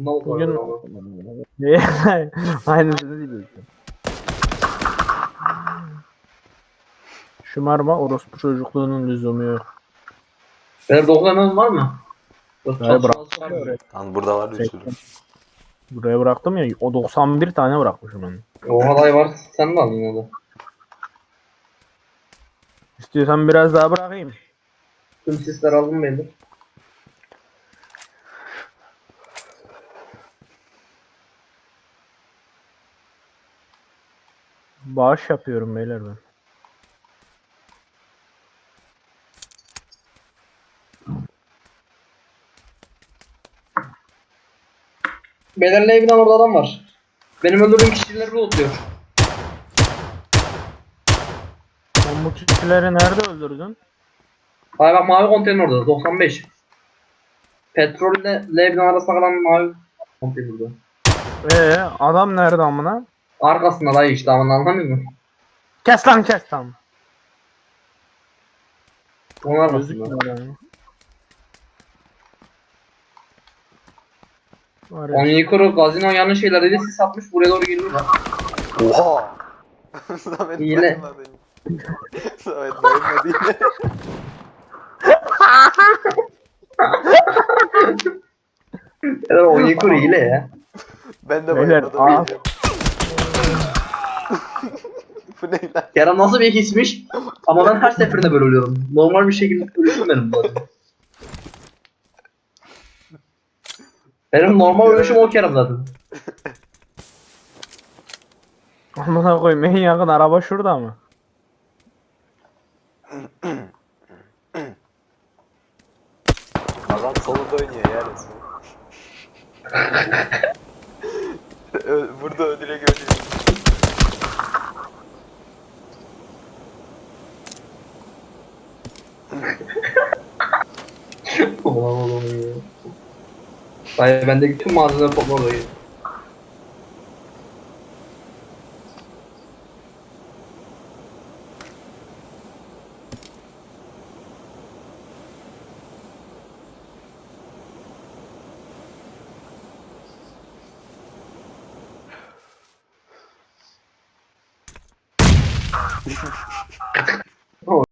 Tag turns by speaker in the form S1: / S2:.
S1: Bundan
S2: Bugün
S1: korkuyorum.
S2: aynısını diyecektim. Şımarma orospu çocukluğunun lüzumu yok.
S1: Benim 9 var mı? Yok,
S2: Dayı
S1: çatışmaz
S2: bıraktım
S1: çıkar
S2: ya
S1: mı?
S2: oraya.
S3: Lan burada var bir sürü.
S2: 80. Buraya bıraktım ya o 91 tane bırakmışım ben.
S1: Oha dayı var. Sen de al yine de.
S2: İstiyorsan biraz daha bırakayım.
S1: Tüm sisler aldım belli.
S2: Bağış yapıyorum beyler ben.
S1: Belerle evden orada adam var. Benim öldürdüğüm kişileri lootluyor.
S2: Sen bu kişileri nerede öldürdün?
S1: Hayır bak mavi konteyner orada 95. Petrolle Lebnan arasında kalan mavi konteyner orada.
S2: Adam nerede amına?
S1: Arkasında dayı işte ama anlamıyor musun?
S2: Kes lan kes lan.
S1: Onun arkasında.
S2: Gözükmüyor yani. Var ya.
S1: Onyekuru gazino yanlış şeyler sis atmış buraya doğru geliyor.
S3: Oha! Samet
S1: Yine.
S3: bayılmadı. Samet bayılmadı yine.
S1: Evet Onyekuru hile ya.
S3: Ben de
S2: Beyler,
S3: bayılmadım.
S2: aa.
S3: Diyeceğim. Bu ne lan?
S1: Kerem nasıl bir hismiş? Ama ben her seferinde böyle ölüyorum. Normal bir şekilde ölüşüm benim bu zaten. Benim normal ölüşüm o Kerem zaten.
S2: Amına koyayım en yakın araba şurada mı?
S3: Adam solunda oynuyor ya resmen. Burada direkt ölüyor.
S1: Oğlum ya. Hayır bendeki tüm malzemeler toplar oraya.